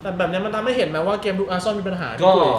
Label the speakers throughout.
Speaker 1: แต่แบบนี้มันทำให้เห็นไหมว่าเกมลุกอาร์เซนอลมีปัญหา
Speaker 2: ก็
Speaker 1: พี่กุย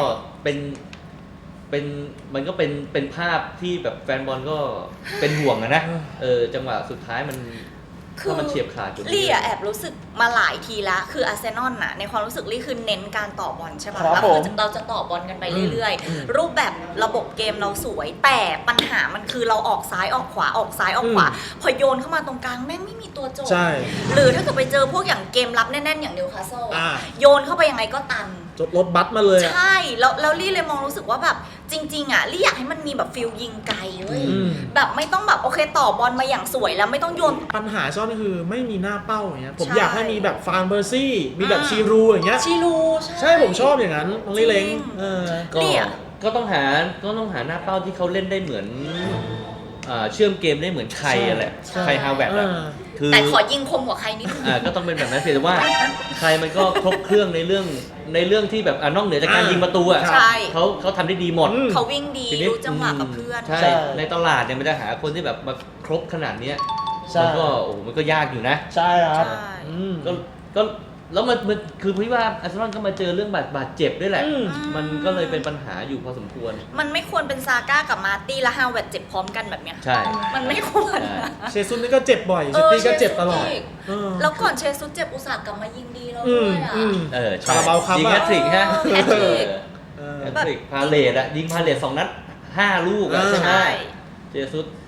Speaker 2: เป็นมันก็เป็นภาพที่แบบแฟนบอลก็เป็นห่วงนะจังหวะสุดท้ายมันถ้ามันเฉียบขาดจุดนี้
Speaker 3: ลี่แอบรู้สึกมาหลายทีละคืออาร์เซนอลน่ะในความรู้สึกลี่คือเน้นการต่อบอลใช่ไหมแล้วคือเราจะต่อบอลกันไปเรื่อยๆรูปแบบระบบเกมเราสวยแต่ปัญหามันคือเราออกซ้ายออกขวาออกซ้ายออกขวาพอโยนเข้ามาตรงกลางแม่งไม่มีตัวโจมหรือถ้าเกิดไปเจอพวกอย่างเกมรับแน่นๆอย่างนิวคาสเซิลโยนเข้าไปยังไงก็ตัน
Speaker 1: รถบัสมาเลย
Speaker 3: ใช่แล้วลี่เลยมองรู้สึกว่าแบบจริงๆลี่อยากให้มันมีแบบฟิลยิงไกลเว้ยแบบไม่ต้องแบบโอเคต่อบอลมาอย่างสวยแล้วไม่ต้องโยน
Speaker 1: ปัญหาซ่อนก็คือไม่มีหน้าเป้าอย่างเงี้ยผมอยากให้มีแบบฟานเบอร์ซี่มีแบบชีรูอย่างเงี้ย
Speaker 3: ชีรู
Speaker 1: ใช่ผมชอบอย่างนั้นน้องลี่เล้ง
Speaker 2: ก็ต้องหาหน้าเป้าที่เขาเล่นได้เหมือนเชื่อมเกมได้เหมือนใครอะไรใครฮาวเวิร์ด
Speaker 3: แต่ขอยิงคมกว่าใครนิดนึง
Speaker 2: ก็ต้องเป็นแบบนั้นเพียงแต่ว่าใครมันก็ครบเครื่องในเรื่องที่แบบนอกเหนือจากการยิงประตูเขาทำได้ดีหมด
Speaker 3: เขาวิ่งดีรู้จังหวะกับเพื่อน
Speaker 2: ใช่ในตลาดเนี่ยมันจะหาคนที่แบบมาครบขนาดนี้มันก็มันก็ยากอยู่นะ
Speaker 1: ใช่ครับ
Speaker 2: ก็แล้วมันคือพี่ว่าอาร์เซนอลก็มาเจอเรื่องบาดเจ็บด้วยแหละมันก็เลยเป็นปัญหาอยู่พอสมควร
Speaker 3: มันไม่ควรเป็นซาก้ากับมาร์ตี้และฮาวเวิร์ดเจ็บพร้อมกันแบบเนี้ย
Speaker 2: ใช่
Speaker 3: มันไม่ควร
Speaker 1: เชซุสนี่ก็เจ็บบ่อยเชตี้ก็เจ็บตลอด
Speaker 3: แล้วก่อนเชซุสเจ็บอุตส่าห์กลับมายิงดีแล้วด้วย
Speaker 1: คาราบาวคัพ
Speaker 2: ยิงแฮตทริกฮะแฮตทริกพาเลตยิงพาเลต2 นัด 5 ลูกใช่ไหมเชซุส